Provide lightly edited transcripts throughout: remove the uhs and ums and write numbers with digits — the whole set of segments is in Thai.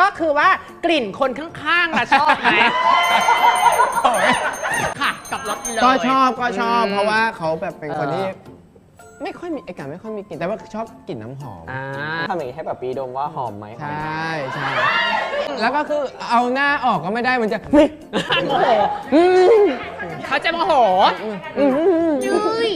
ก็คือว่ากลิ่นคนข้างๆอะชอบไหมค่ะกับรถเลยก็ชอบเพราะว่าเขาแบบเป็นคนที่ไม่ค่อยมีไอ้กันไม่ค่อยมีกลิ่นแต่ว่าชอบกลิ่นน้ำหอมทำอย่างนี้ให้แบบปีดมว่าหอมไหมใช่แล้วก็คือเอาหน้าออกก็ไม่ได้มันจะโมโหเขาจะโมโหยืย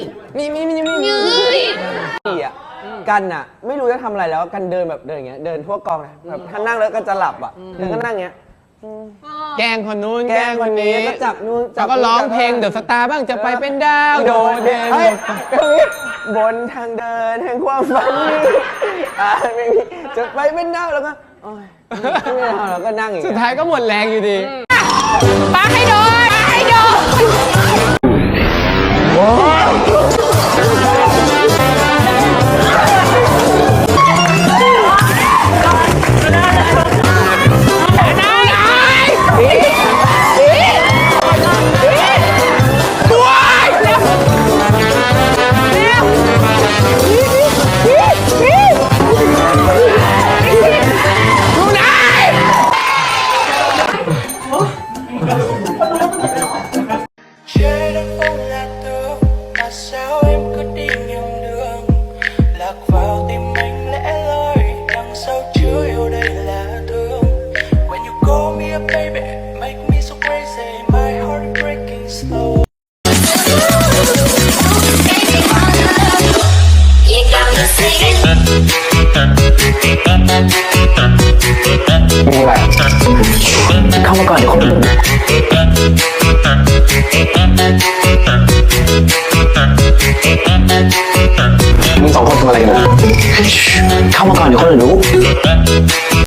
พี่อ่ะกันอ่ะไม่รู้จะทำอะไรแล้วกันเดินแบบเดินอย่างเงี้ยเดินทั่วกองเลยแบบถ้านั่งแล้วก็จะหลับอ่ะแล้วก็นั่งอย่างเงี้ยแกล้งคนนู้นแกล้งคนนี้ก็จับนู้นแล้วก็ร้องเพลงเดอะสตาร์บ้างจะไปเป็นดาวโดดเด่นบนทางเดินแห่งความฝันไม่มีจะไปเป็นดาวแล้วก็ไม่เอาแล้วก็นั่งอย่างสุดท้ายก็หมดแรงอยู่ดีปาให้โดนเข้ามาก่อนเดี๋ยวคนอื่นมึงสองคนทำอะไรกันเข้ามาก่อนเดี๋ยวคนอื่นรู้